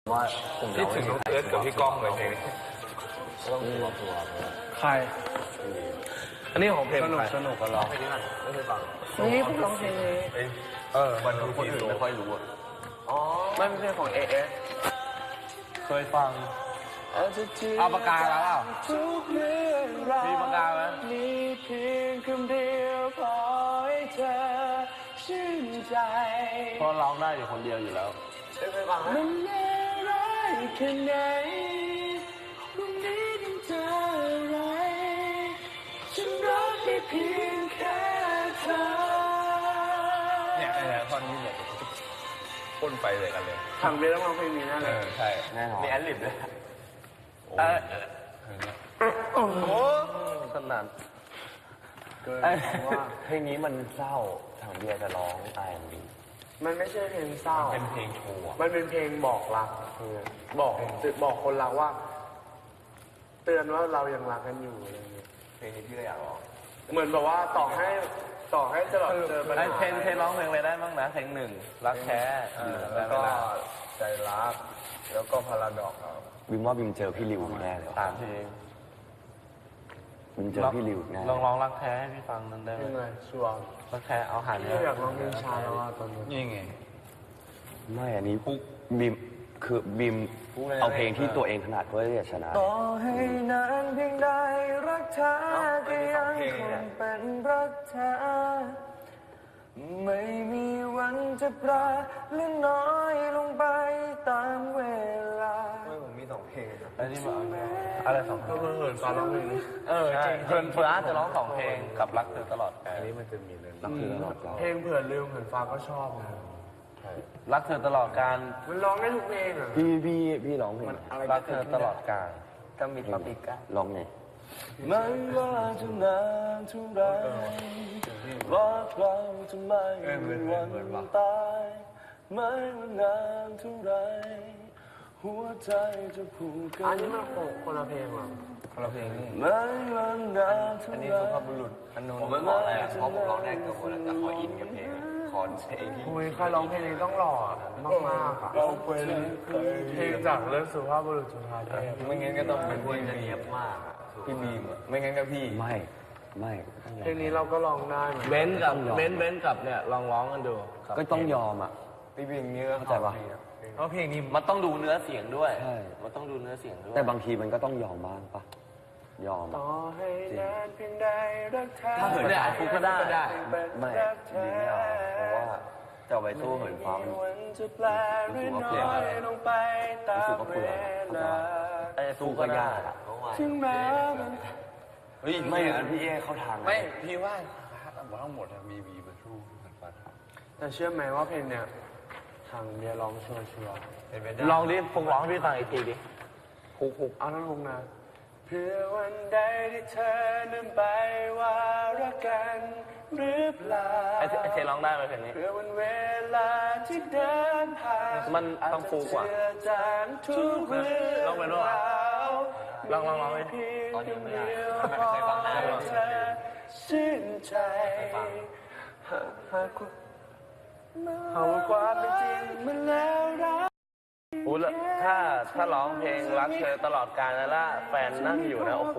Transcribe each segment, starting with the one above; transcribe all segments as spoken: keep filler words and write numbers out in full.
ว่าคิดถึงน้องเอิร์ธกับพี่ก้องเลยเพลงต้องตัวตัวใครอันนี้ของเพลงสนุกสนุกกันหรอไม่เคยฟังนี่ผมร้องเพลงนี้เออมันดูคนอื่นไม่ค่อยรู้อ่ะอ๋อไม่ใช่ของเอเอสเคยฟังเอาปากกาแล้วเปล่ามีปากกาไหมมีเพียงคำเดียวพอให้เธอชื่นใจเพราะร้องได้อยู่คนเดียวอยู่แล้วเคยฟังไหมมันเลวร้ายแค่ไหนพรุ่งนี้ต้องเจออะไรฉันรักได้เพียงแค่เธอเนี่ยไอ้ท่อนนี้เนี่ยพ่นไปเลยกันเลยทำไปแล้วมาเพลงนี้แน่เลยใช่แน่นอนมีแอดลิบเลยเออโอ้โหขนาดว่าเพลงนี้มันเศร้าทางเบียร์จะร้องไอเอ็มดีมันไม่ใช่เพลงเศร้าเป็นเพลงโชว์มันเป็นเพลงบอกรักบอกบอกคนรักว่าเตือนว่าเรายังรักกันอยู่อะไรเงี้ยเพลงนี้พี่ก็อยากร้องเหมือนแบบว่าต่อให้ต่อให้ตลอดเจอปัญหาเพลงเพลงร้องเพลงอะไรได้บ้างนะเพลงหนึ่งรักแท้แล้วก็ใจรักแล้วก็พาราดอกบิมว่าบิมเจอพี่ริวแน่เลยสามเพลงบิมเจอพี่ริวแน่ลองร้องรักแท้ให้พี่ฟังนั้นได้ไหมยังไงชัวร์รักแท้เอาหันเนี่ยอยากร้องเพลงชาแล้วว่าตอนนี้นี่ไงไม่อันนี้บิมคือบิมเอาเพลงที่ตัวเองถนัดเพื่อที่จะชนะต่อให้นานเพียงใดรักเธอก็ยังคงเป็นรักเธอไม่มีวันจะปราเลื่อนน้อยลงไปตามเวลาไม่ผมมีสองเพลงอันนี้มาอะไรสองเพลงเหินฟ้าร้องเพลงเออจริงเหินฟ้าจะร้องสองเพลงกับรักเธอตลอดอันนี้มันจะมีเลยรักเธอตลอดเพลงเผื่อลืมเหินฟ้าก็ชอบนะรักเธอตลอดการมันร้องได้ทุกเพลงอ่ะพี่พี่พี่ร้องเพลงรักเธอตลอดการก็มีปาปิก้าร้องไงไม่ว่าจะนานเท่าไรรักเราจะไม่มีวันตายไม่ว่านานเท่าไรหัวใจจะผูกกันอันนี้มันคนละเพลงหรอคนละเพลงนี่ไม่ว่านานเท่าไรอันนี้สุภาพบุรุษอันนู้นผมไม่บอกอะไรอ่ะเพราะผมร้องได้เกือบหมดแล้วแต่ขออินกับเพลงคอนเพลงที่คุยใครร้องเพลงนี้ต้องหล่อมากมากอ่ะร้องเพลงเพลงจากเรื่องสุภาพบุรุษจุฬาเทพไม่งั้นก็ต้องเป็นเพลงจะเนียบมากพี่บีมไม่งั้นก็พี่ไม่ไม่เพลงนี้เราก็ร้องได้เบนกับเบนเบนกับเนี่ยลองร้องกันดูก็ต้องยอมอ่ะพี่บีมนี่ก็เข้าใจปะเพราะเพลงนี้มันต้องดูเนื้อเสียงด้วยใช่มันต้องดูเนื้อเสียงด้วยแต่บางทีมันก็ต้องยอมบ้างปะยอมต่อให้นานเพียงใดรักเธอถ้าเหินฟ้าฟุกก็ได้ไม่ไม่เอาเพราะว่าจะไปสู้เหินฟ้ามันรู้สึกว่าเปลือกรู้สึกว่าเปลือกไอ้สู้ก็ยากอ่ะถึงแม้เฮ้ยไม่อันพี่เอเข้าทางไม่พี่ว่าทั้งหมดมีวีมาสู้เหินฟ้าแต่เชื่อไหมว่าเพลงเนี้ยทางเบียร์ร้องชัวร์ชัวร์ลองดิฟุกร้องพี่ฟังอีกทีดิฟุกฟุกเอาทั้งวงนะเพื่อวันใดที่เธอนั้นไปว่ารักกันหรือเปล่าไอ้เทร้องได้ไหมเพลงนี้เพื่อวันเวลาที่เดินผ่านมันต้องฟูกว่าลองไปด้วยลองลองลองไปตอนนี้ไม่ได้ไม่เคยฟังได้หรอกชื่นใจหากหากหากความเป็นจริงมันแล้วรักโอ้แล้วถ้าถ้าร้องเพลงรักเธอตลอดกาลแล้วล่ะแฟนนั่งอยู่นะโอ้โห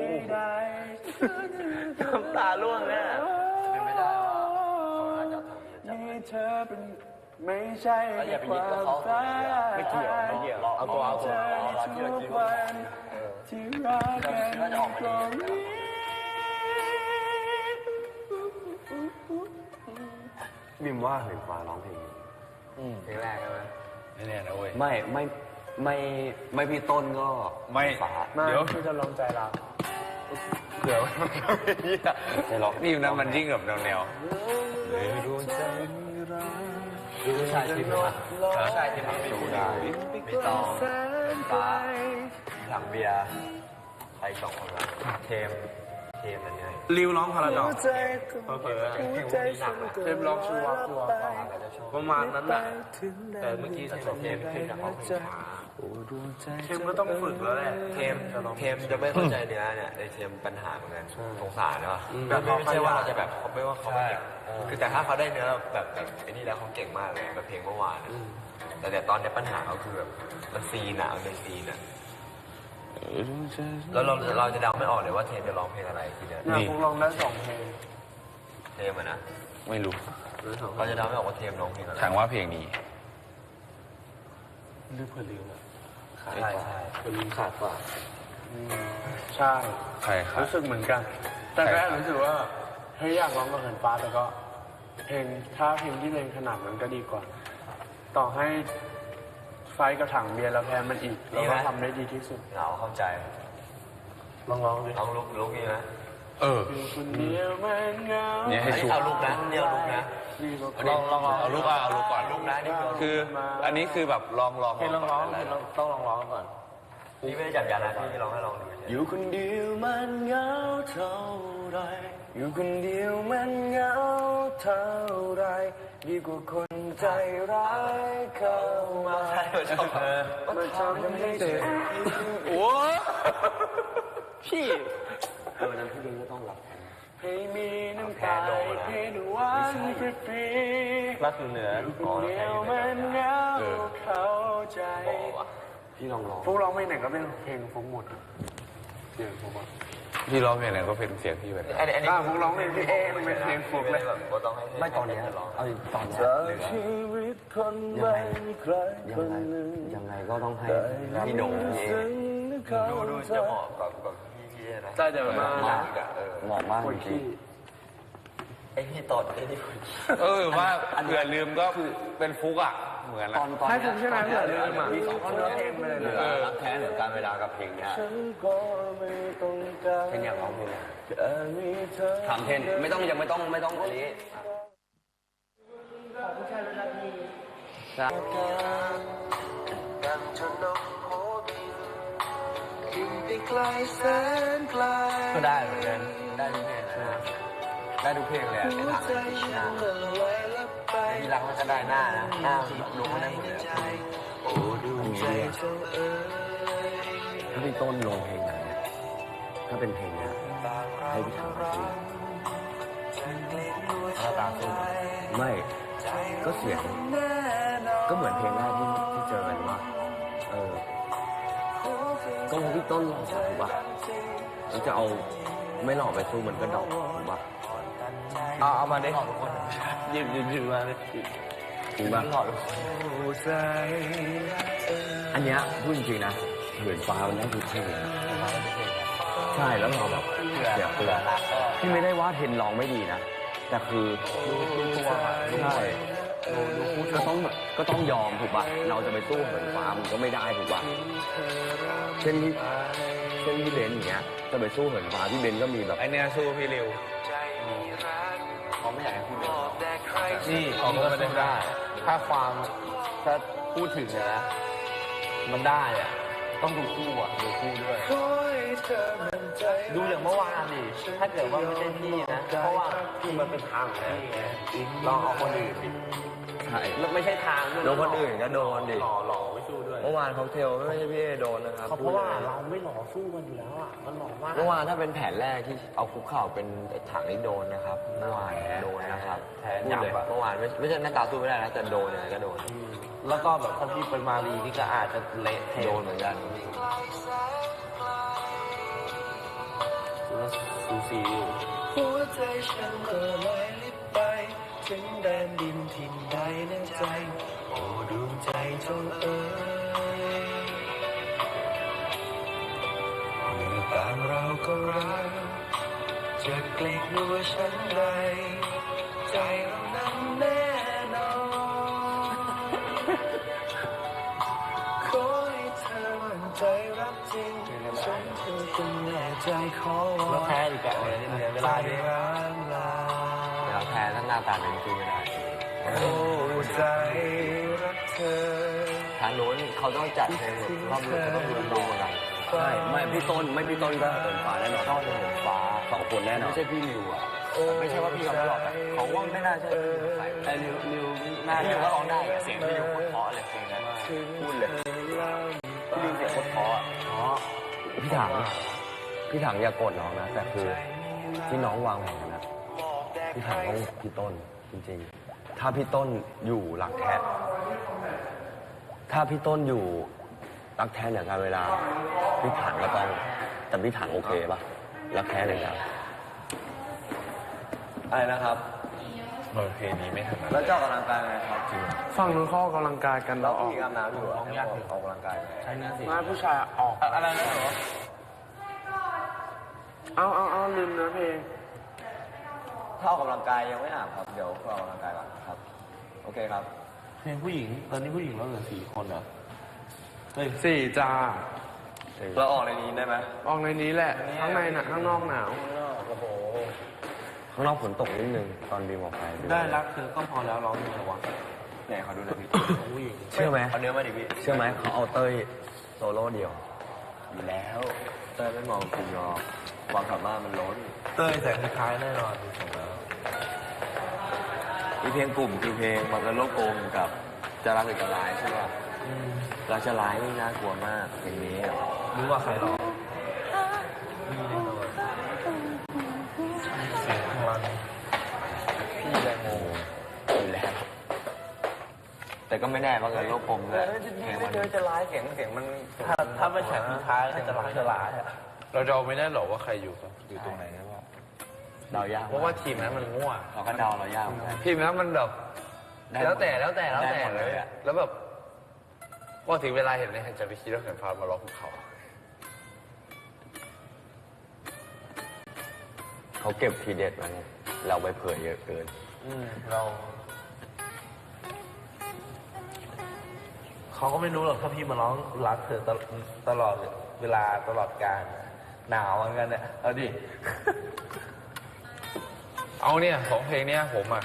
น้ำตาร่วงเนี่ยเป็นไม่ได้ว่าเขาน่าจะทำมีเธอเป็นไม่ใช่ความฝันไม่เกี่ยวไม่เกี่ยวเอาตัวเอาตัวทุกวันที่รักกันตรงนี้บิมว่าเหินฟ้าร้องเพลงเพลงแรกใช่ไหมไม่แน่นะเว้ยไม่ไม่ไม่ไม่พี่ต้นก็ไม่ฟ้าเดี๋ยวพี่จะลองใจรักเดี๋ยวใจรักนี่นะมันยิ่งแบบแนวแนวเลยดวงใจดูชายที่มาชายที่มาไม่ดูได้ไม่ต้องฟ้าหลังเบียร์ไปสองคนละเทมเทมอันนี้ริวร้องพาราดอกเผลอเทมร้องชัวร์ชัวร์ประมาณนั้นแหละแต่เมื่อกี้เทมเทมเทมจากเขาเพลงช้าเทมก็ต้องฝึกแล้วแหละเทมเทมจะไม่เข้าใจเนื้อเนี่ยในเทมปัญหาเหมือนกันสงสารเนาะแบบไม่ใช่ว่าเราจะแบบเขาไม่ว่าเขาไม่เก่งคือแต่ถ้าเขาได้เนื้อแบบแบบไอ้นี่แล้วเขาเก่งมากเลยแบบเพลงเมื่อวานแต่แต่ตอนนี้ปัญหาเขาคือแบบมันซีนอะมันเป็นซีนอะแล้วเราเราจะเดาไม่ออกเลยว่าเทมจะร้องเพลงอะไรทีเนี้ยเนี่ยคงลองได้สองเพลงเทมอะนะไม่รู้เราจะเดาไม่ออกว่าเทมร้องเพลงอะไรถามว่าเพลงนี้ลืมเผื่อลืมอ่ะใช่ใช่เผื่อลืมขาดกว่าใช่ใครครับรู้สึกเหมือนกัน แต่ก็รู้สึกว่าเฮ้ยอยากร้องกับเหินฟ้าแต่ก็เพลงถ้าเพลงที่เพลงขนาดมันก็ดีกว่า ต่อให้ไฟกับถังเบียร์แล้วแพ้มันอีกเราก็ทำได้ดีที่สุดเหงาเข้าใจลองร้องดิร้องลุกลุกนี่ไหมเอออยู่คนเดียวมันเหงาเนี่ยให้ชุบเอาลุกนะเนี่ยเอาลุกนะนี่ก็ลองลองเอาลูกอ่ะเอาลูกก่อนลุกนะนี่คือคือ อันนี้คือแบบลองลองให้ลองร้องให้ลองต้องลองร้องก่อนนี่ไม่ได้จับยานะพี่ร้องให้ลองดูอยู่คนเดียวมันเหงาเท่าไรอยู่คนเดียวมันเหงาเท่าไรดีกว่าคนใจร้ายเข้ามาใช่ชอบมาทำให้เจ็บโอ้พี่เออนั้นพี่ลิงก็ต้องรับให้มีน้ำตาเพนหวานฟรีๆรักคือเหนืออยู่คนเดียวมันเหงาเข้าใจพี่ลองร้องพวกร้องเพลงไหนก็เป็นเพลงฟุกหมดเสียงฟุกอ่ะพี่ร้องเพลงไหนก็เป็นเสียงพี่ไปเลยอันนี้อันนี้อ่าพวกร้องเพลงพี่เอมันเป็นเพลงฟุกเลยแบบว่าต้องให้ไม่ตอนนี้ร้องเอาตอนนี้จากชีวิตคนไม่มีใครคนหนึ่งยังไงก็ต้องให้พี่โหน่งพี่เอดูดูจะเหมาะกับกับพี่พี่นะใช่เดี๋ยวมาเหมาะกับเออเหมาะมากคนจริขี้งไอพี่ตอดไอนี่คนเออว่าเผื่อลืมก็เป็นฟุกอ่ะ เหมือนๆนะตอนตอนให้เนี้ผมใช่ไหมเผื่อลืมอ่ะมีสองคนเนื้อเนี่ยเพลงไปเลยเหลืนะอรักแท้เหลือการเวลากับเพลงเนี้ยฉันก็ไม่ต้องการเพลงอยากร้องเพลงอะไรแค่มีเธอถามเทนไม่ต้องยังไม่ต้องไม่ต้องอันนี้ดังจนนกโหบินบินไปไกลแสนไกลก็ได้เหมือนกันได้ทุกเพลงนะได้ทุกเพลงเลยหัวใจฉันละลายละไปพี่รักมันก็ได้หน้านะหน้าลุกมันได้หมดเลยโอ้ดูใจเจ้าเอ๋ยถ้าพี่ต้นลงเพลงไหนเนี่ยถ้าเป็นเพลงเนี้ยให้พี่ทำมาสิหน้าตาสู้ไม่ก็เสียงก็เหมือนเพลงแรกที่ที่เจอกันว่าเออก็เพราะพี่ต้นหล่อถูกป่ะแล้วจะเอาไม่หล่อไปสู้มันก็ดอกถูกป่ะเอาเอามาได้หอทุกคนหยิบหยิบหยิบมาเลยจริงป่ะหอทุกคนอันเนี้ยพูดจริงๆนะเหินฟ้ามันได้ทุกเพลงใช่แล้วเราแบบเสียเปลือกพี่ไม่ได้ว่าเทนร้องไม่ดีนะแต่คือใช่ก็ต้องก็ต้องยอมถูกป่ะเราจะไปสู้เหินฟ้ามันก็ไม่ได้ถูกป่ะเช่นที่เช่นพี่เบนซ์อย่างเงี้ยจะไปสู้เหินฟ้าพี่เบนซ์ก็มีแบบไอเนี้ยสู้พี่ริวเขาไม่อยากให้พี่เบนนี่เขาก็ไม่ได้ได้ถ้าความถ้าพูดถึงอะนะมันได้อะต้องดูคู่อะดูคู่ด้วยขอให้เธอมั่นใจดูอย่างเมื่อวานดิถ้าเกิดว่าไม่ใช่พี่นะ เพราะว่าคือมันเป็นทางของพี่ไงลองเอาคนอื่นดิใช่ไม่ใช่ทางด้วยโดนคนอื่นก็โดนดิหล่อหล่อไม่สู้ด้วยเมื่อวานค็อกเทลไม่ใช่พี่เอโดนนะครับเพราะว่าเราไม่หล่อสู้กันอยู่แล้วอ่ะมันหล่อมากเมื่อวานถ้าเป็นแผนแรกที่เอาคุกเข่าเป็นถังนี่โดนนะครับเมื่อวานโดนนะครับแผนพูดยับเลยอะเมื่อวานไม่ไม่ใช่หน้าตาสู้ไม่ได้นะแต่โดนยังไงก็โดนแล้วก็แบบถ้าพี่เป็นมารีนี่ก็อาจจะเละเทะโดนเหมือนกันสูสีอยู่หัวใจฉันละลายลิบไปถึงแดนดินถิ่นใดในใจ โอ้ดวงใจเจ้าเอ๋ยเมื่อต่างเราก็รักจะเกล็ดนัวฉันใดใจเรานั้นแน่นอนขอให้เธอมั่นใจรักจริงฉันเธอคนแน่ใจขอวแล้วอนแพ้อีกแบบเลยเนี่ยเวลาเนี่ยร่างลาแล้วแพ้ถ้าหน้าตาเป็นสู้ไม่ได้โอ้ใจรักเธอทางโน้นเขาต้องจัดเพลงแบบรอบรู้เขาต้องรู้ดูเหมือนกันใช่ไม่พี่ต้นไม่พี่ต้นก็เหินฟ้าแน่นอนต้นเหินฟ้าสองคนแน่นอนไม่ใช่พี่ริวอ่ะไม่ใช่ว่าพี่เขาไม่หลอกแต่เขาว่าไม่น่าใช่พี่ริวใส่แต่ริวริวหน้าพี่ริวก็ร้องได้อะเสียงพี่ริวโคตรเพราะเลยเพลงนั้นพูดเลยลำถังพี่ถังอย่าโกรธน้องนะแต่คือที่น้องวางแผนนะพี่ถังต้องพี่ต้นจริงๆถ้าพี่ต้นอยู่หลักแท้ถ้าพี่ต้นอยู่รักแท้เหนือการเวลาพี่ถังก็ต้องแต่พี่ถังโอเคปะรักแท้เหนือการอะไรนะครับเออเพลงนี้ไม่ถนัดแล้วเจ้ากำลังกายไงครับจริงฝั่งนู้นเขาออกกำลังกายกันเราเราออกพี่กำน้ำอยู่ห้องยากถึงออกกำลังกายใช่นะสิมาผู้ชายออกอะไรนะหรอเอาเอาเอาลืมเนื้อเพลงถ้าออกกำลังกายยังไม่อาบครับเดี๋ยวออกกำลังกายก่อนครับโอเคครับเพลงผู้หญิง ตอนนี้ผู้หญิงเราเหลือสี่คนเหรอ เฮ้ยสี่จ้าเราออกในนี้ได้ไหมออกในนี้แหละ ข้างในหนะข้างนอกหนาวข้างนอกฝนตกนิดนึงตอนบีมออกไปได้รักเธอก็พอแล้วร้องยังไงวะไหนเขาดูหน่อยพี่ผู้หญิงเชื่อไหมเอาเนื้อมาดิพี่เชื่อไหมเขาเอาเต้ยโซโล่เดียวอยู่แล้วเต้ยไม่มองกลุ่มหรอกความสามารถมันล้นเต้ยแต่คล้ายๆแน่นอนดูทรงแล้วมีเพลงกลุ่มคือเพลงมันเป็นโลกกลมกับจะรักหรือจะร้ายใช่ป่ะรักจะร้ายนี่น่ากลัวมากเพลงนี้อะรู้ว่าใครร้องมีแน่นอนเสียงพลังพี่แรงโมอยู่แล้ว แต่ก็ไม่แน่บางเงินโลกกลมเลยเพลงมันจะร้ายเสียงเสียงมันถ้าถ้าไม่แฉกสุดท้ายก็จะร้ายจะร้ายอะเราเดาไม่ได้หรอกว่าใครอยู่ครับอยู่ตรงไหนนะว่าเดายากเพราะว่าทีมนั้นมันมั่วเราก็เดาเรายากเหมือนกันทีมนั้นมันแบบได้แล้วแต่แล้วแต่แล้วได้แต่หมดเลเลยยอะแล้วแบบพอถึงเวลาเห็นเนี่ยจะไปคิดว่าเหินฟ้ามาล็อกภูเขาเขาเก็บทีเด็ดมาไงเราไปเผยเยอะเกินอืมเราเขาก็ไม่รู้หรอกถ้าพี่มาร้องรักเธอตลตลอดเวลาตลอดกาลหนาวเหมือนกันเนี่ยเอาดิเอาเนี่ยของเพลงเนี้ยผมอ่ะ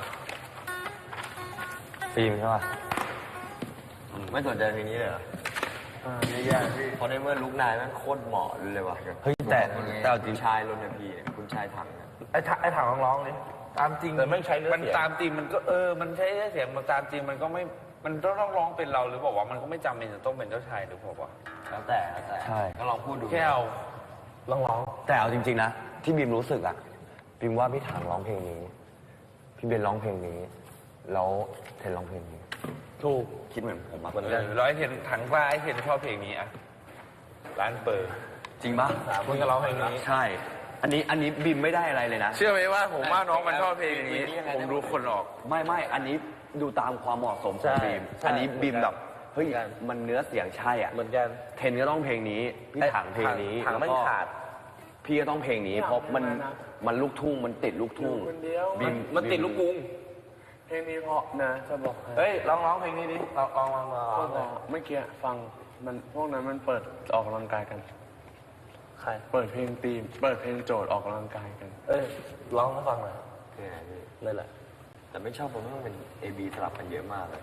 ฟิล์มใช่ป่ะไม่สนใจเพลงนี้เลยเหรออ่าแย่ๆพี่เพราะในเมื่อลุกนายแม่งโคตรเหมาะเลยว่ะเฮ้ยแต่แต่เอาจริงชายรนพีเนี่ยคุณชายถังเนี่ยไอ้ถไอ้ถามร้องๆนี่ตามจริงแต่ไม่ใช้เนื้อมันเสียงตามตีมมันก็เออ มันใช้เสียงมันตามตีมมันก็ไม่ มันต้องร้องเป็นเราหรือบอกว่ามันก็ไม่จำเป็นจะต้องเป็นเจ้าชายหรือเปล่าวะแล้วแต่แล้วแต่ใช่ก็ลองพูดดูแค่เอาร้องร้องแต่เอาจริงๆนะที่บีมรู้สึกอะบีมว่าพี่ถังร้องเพลงนี้พี่เบนร้องเพลงนี้แล้วเทนร้องเพลงนี้ถูกคิดเหมือนผมมากเออร้อยเห็นถังฟ้าไอ้เห็นชอบเพลงนี้อ่ะร้านเปิดจริงปะคุณก็ร้องเพลงนี้ใช่ อันนี้อันนี้บีมไม่ได้อะไรเลยนะเชื่อไหมว่าผมว่าน้องมันชอบเพลงนี้ ผมดูคนออกไม่ไม่อันนี้ดูตามความเหมาะสมของบีมอันนี้บีมแบบเฮ้ยมันเนื้อเสียงใช่อ่ะเหมือนกันเทนก็ต้องเพลงนี้พี่ถังเพลงนี้ถังไม่แล้วก็ขาดพี่ก็ต้องเพลงนี้ เพราะมันมันลูกทุ่งมันติดลูกทุ่งคนเดียวบีมมันติดลูกกรุงเพลงนี้เพราะนะจะบอกให้เฮ้ยร้องร้องเพลงนี้ดิร้องร้องร้องร้ก็องบอกเมื่อกี้ฟังมันพวกนั้นมันเปิดออกกำลังกายกันใครเปิดเพลงตีม เปิดเพลงโจทย์ออกกำลังกายกันเอ้ยร้องให้ฟังหน่อยเนี่ยพี่เลยแหละแต่ไม่ชอบผมว่ามันเป็น A B สลับกันเยอะมากเลย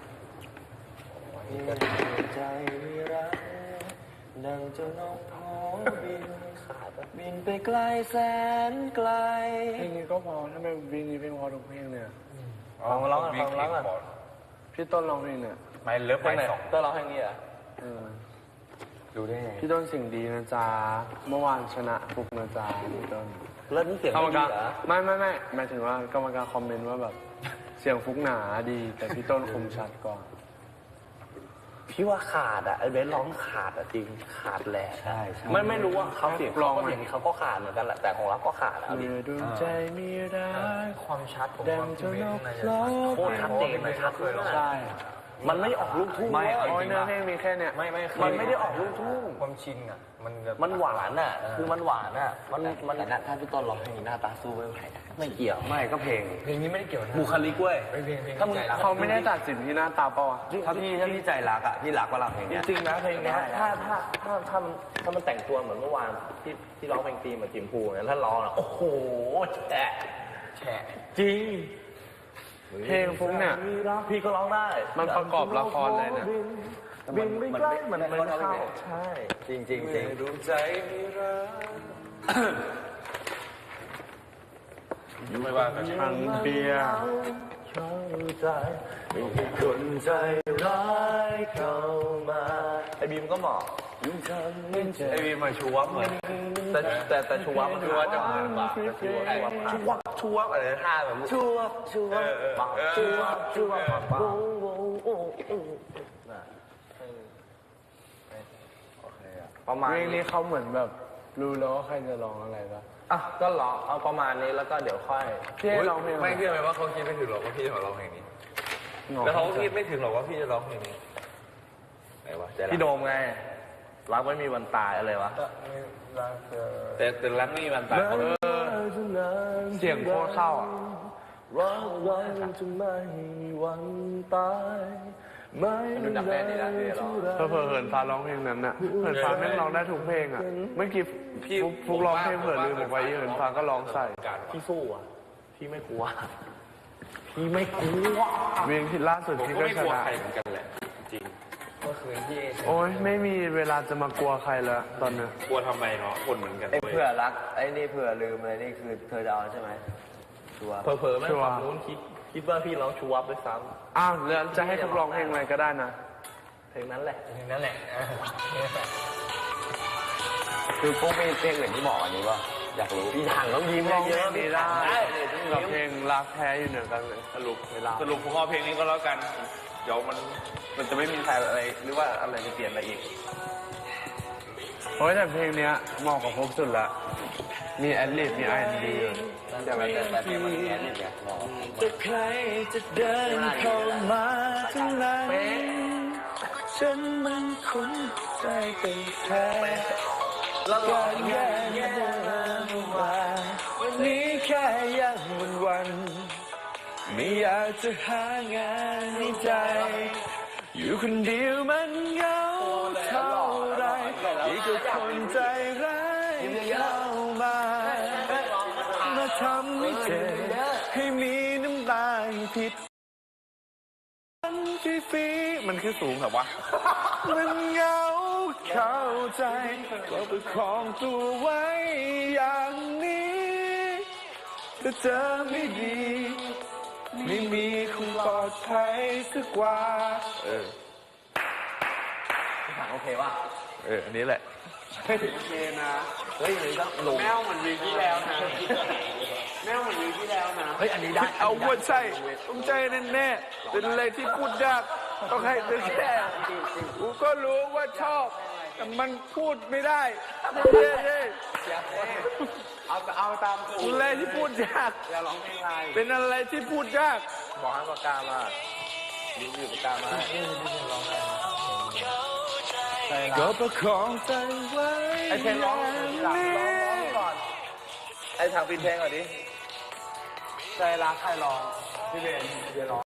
ใจรักดังเจ้านกพอบินขาดบินไปไกลแสนไกลเพลงนี้ก็พอทำไมเพลงนี้เพลงพอทุกเพลงเนี่ยฟังร้องอ่ะฟังร้องอ่ะพี่ต้นร้องเพลงเนี่ยไม่เลิฟเพลไปงไหนสองเต้ยร้องเพลงนี้เหรอเออดูได้ไงพี่ต้นเสิ่งดีนะจ๊ะเมื่อวานชนะฟุกนะจ๊ะพี่ต้นแล้วนี่เสียงกรรมไม่ดีการเหรอไม่ไม่ไม่หมายถึงว่ากรรมการคอมเมนต์ว่าแบบ เสียงฟุกหนาดี แต่พี่ต้นคมชัดกว่าพี่ว่าขาดอ่ะไอ้เบสร้องขาดอ่ะจริงขาดแหละใช่ใช่ไม่ไม่รู้ว่าเขาเสียงลร้ออง งไหมเสียงนี้เขาก็ขาดเหมือนกันแหละแต่ของเราก็ขาดอ่ะเอาดิเมื่อดวงใจมีรักความชัดผมดังเจ้านกร้องโคตรชัดเจนเลยชัดเลยใช่มันไม่ออกลูกทุ่งไม่เว้ยเอาโอ้ยจริงเนื้อป่ะเพลงมีแค่เนี่ยไม่ไม่มันไม่ได้ออกลูกทุ่งความชินอ่ะ มันมันหวานอ่ะ คือมันหวานอ่ะ มันมันแต่ถ้าพี่ต้นร้องเพลงนี้หน้าตาสู้ไม่ไหวนะไม่เกี่ยวไม่ก็เพลงเพลงนี้ไม่ได้เกี่ยวนะบุคลิกเว้ยเพลงเพลงถ้ามึงเขาไม่ได้ตัดสินที่หน้าตาเปล่าวะถ้าพี่ถ้าพี่ใจรักอ่ะพี่รักว่ารักเพลงจเนี้ยริงๆนะเพลงเนี้ยถ้าถ้าถ้าถ้ามันถ้ามันแต่งตัวเหมือนเมื่อวานที่ที่ร้องเพลงตีมกับจิมพูเนี่ยถ้าร้องอ่ะโอ้โหแฉะแฉะจริงเพลงฟุกเนี่ยพี่ก็ร้องได้มันประกอบละครเลยเนี่ยบินไปใกล้เหมือนมันเข้าใช่จริงจริงจริงดวงใจมีรักไม่ว่ากันทางเบียร์เข้าใจมีคนใจร้ายเข้ามาไอ้บีมก็เหมาะไอวีมาชูวับเหมือนแต่แต่แต่ชัวร์ชัวร์จะเหมือนกว่าชัวร์ชัวร์ชูวับชูวับอะไรท่าแบบชัวร์ชัวร์ปังชัวร์ชัวร์ปังปังโอ้โอ้โอ้ประมาณเพลงนี้เขาเหมือนแบบรู้แล้วว่าใครจะร้องอะไรปะอ่ะก็ร้องเอาประมาณนี้แล้วก็เดี๋ยวค่อยพี่ให้ร้องเพลงอะไรไม่เชื่อไหมว่าเขาคิดไม่ถึงหรอกว่าพี่จะร้องเพลงนี้แล้วเขาก็คิดไม่ถึงหรอกว่าพี่จะร้องเพลงนี้ไหนวะใจรักพี่โดมไงรักไม่มีวันตายอะไรวะแต่แต่รักไม่มีวันตายเขาเสียงโคตรเข้าอ่ะรักเราจะไม่มีวันตายไม่มีวันที่เราเผลอๆเหินฟ้าร้องเพลงนั้นน่ะเหินฟ้าแม่งร้องได้ทุกเพลงอ่ะเมื่อกี้ฟุกฟุกร้องเพลงเผื่อลืมบอกไว้เหินฟ้าก็ร้องใส่พี่สู้อ่ะพี่ไม่กลัวพี่ไม่กลัวเพลงที่ล่าสุดผมที่ก็ก็ไม่ชกลัวนะใครเหมือนกันแหละจริงเมื่อคืนที่โอ้ยไม่มีเวลาจะมากลัวใครแล้วตอนเนี้ยกลัวทำไมเนาะคนเหมือนกันไอ้เว้ยเผื่อรักไอ้นี่เผื่อลืมอะไรนี่คือเธอจะเอาใช่ไหมชัวร์เผลอๆแม่งฝั่งนู้นคิดคิดว่าพี่ร้องชูวับด้วยซ้อ้าวแล้วจะให้ทุกร้องเพลงอะไรก็ได้นะำเพลงนั้นแหละนั่นแหละคือพวกเพลงเพลงอื่นที่เหมาะอันนี้ป่ะอยากรู้พี่ถังต้องยิ้มร้องเยเพลอะงๆนี้พี่ได้ถังได้กับเพลงรักแท้อยู่เหนือกันเลยสรุปเวลาสรุปผมเอาเพลงนี้ก็แล้วกันเดี๋ยวมันมันจะไม่มีใครอะไรหรือว่าอะไรจะเปลี่ยนอะไรอีกโอ้ยแต่เพลงเนี้ยเหมาะกับพวกสุดละมีแอดลิบมีไอเอ็นดีแต่แบบแต่เพลงมันแค่นี้ไงเหมาะจะใครจะเดินเข้ามาทั้งนั้นฉันมันคุ้นใจเป็นแท้แล้วก็แย่แย่มาวันนี้แค่ยังวันวันไม่อยากจะหางานในใจ อยู่คนเดียวมันเหงาเท่าไรอีกกับคนใจร้ายเข้ามามาทำให้เจ็บให้มีน้ำตาผิดมันฟีฟีมันคือสูงแบบว่ามันเหงาเข้าใจก็ประคองตัวไว้อย่างนี้ถ้าเจอไม่ดีไม่มีคงปลอดภัยสักกว่าเออพี่ถังโอเคป่ะเอออันนี้แหละโอเคนะเฮ้ยมันก็หลงแมวเหมือนวีที่แล้วนะแมวเหมือนวีที่แล้วนะเฮ้ยอันนี้ได้เอาว่าใช่ต้องใจแน่ๆเป็นอะไรที่พูดยากต้องให้เธอแค่กูก็รู้ว่าชอบแต่มันพูดไม่ได้เย้เย้เอาเอาตามกูเป็นอะไรที่พูดยากอย่าร้องเพลงอะไรเป็นอะไรที่พูดยากบอกให้ปากกามาดิ้นอยู่ปากกามาก็ประคองใจไว้ไอเพลงร้องหลังร้องร้องก่อนไอทางปิดเพลงก่อนดิใจรักใครร้องพี่เบนเดี๋ยวร้อง